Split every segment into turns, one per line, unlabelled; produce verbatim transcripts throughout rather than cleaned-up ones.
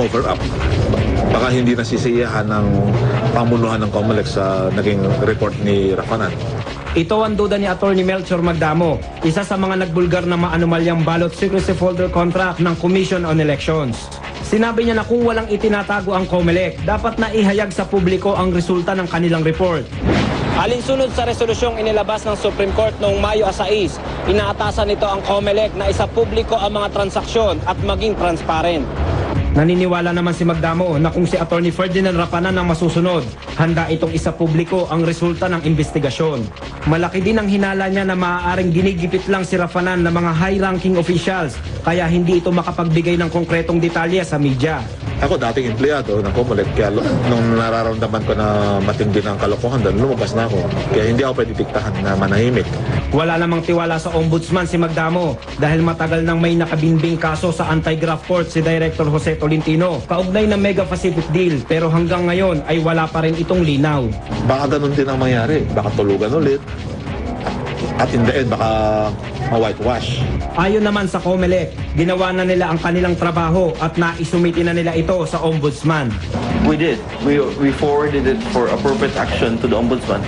cover up. Baka hindi nasisiyahan ng pamunuhan ng COMELEC sa naging report ni Rafanan.
Ito ang duda ni Attorney Melchor Magdamo, isa sa mga nagbulgar na maanumalyang ballot secrecy folder contract ng Commission on Elections. Sinabi niya na kung walang itinatago ang COMELEC, dapat na ihayag sa publiko ang resulta ng kanilang report. Alinsunod sa resolusyong inilabas ng Supreme Court noong Mayo sais, inaatasan nito ang COMELEC na isa publiko ang mga transaksyon at maging transparent. Naniniwala naman si Magdamo na kung si Attorney Ferdinand Rafanan ang masusunod, handa itong isa publiko ang resulta ng investigasyon. Malaki din ang hinala niya na maaaring ginigipit lang si Rafanan ng mga high-ranking officials, kaya hindi ito makapagbigay ng konkretong detalye sa media.
Ako dating empleyado ng COMELEC, kaya nung nararamdaman ko na matindi ng kalokohan doon, lumabas na ako. Kaya hindi ako pwede diktahan na manahimik.
Wala namang tiwala sa ombudsman si Magdamo dahil matagal nang may nakabinbing kaso sa anti-graft court si Director Jose Tolentino kaugnay ng Mega Pacific Deal, pero hanggang ngayon ay wala pa rin itong linaw.
Baka ganun din ang mangyari, baka tulugan ulit. At in the end, baka ma-whitewash.
Ayon naman sa COMELEC, ginawa na nila ang kanilang trabaho at naisumiti na nila ito sa ombudsman.
We did. We, we forwarded it for appropriate action to the ombudsman.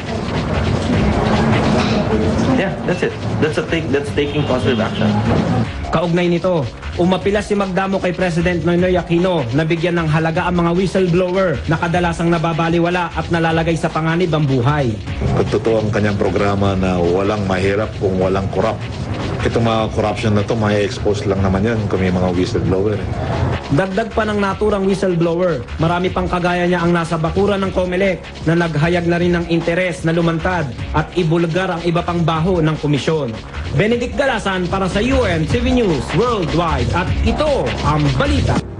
Yeah, that's it. That's a take, that's taking positive action.
Kaugnay nito, umapila si Magdamo kay President Noynoy Aquino na bigyan ng halaga ang mga whistleblower na kadalasang nababaliwala at nalalagay sa panganib ang buhay.
Kung totoo ang kanyang programa na walang mahirap kung walang corrupt. Itong mga corruption na to, may expose lang naman yan kung may mga whistleblower.
Dagdag pa ng naturang whistleblower, marami pang kagaya niya ang nasa bakuran ng COMELEC na naghayag na rin ng interes na lumantad at ibulgar ang iba pang baho ng komisyon. Benedict Galasan para sa U N T V News Worldwide at ito ang balita.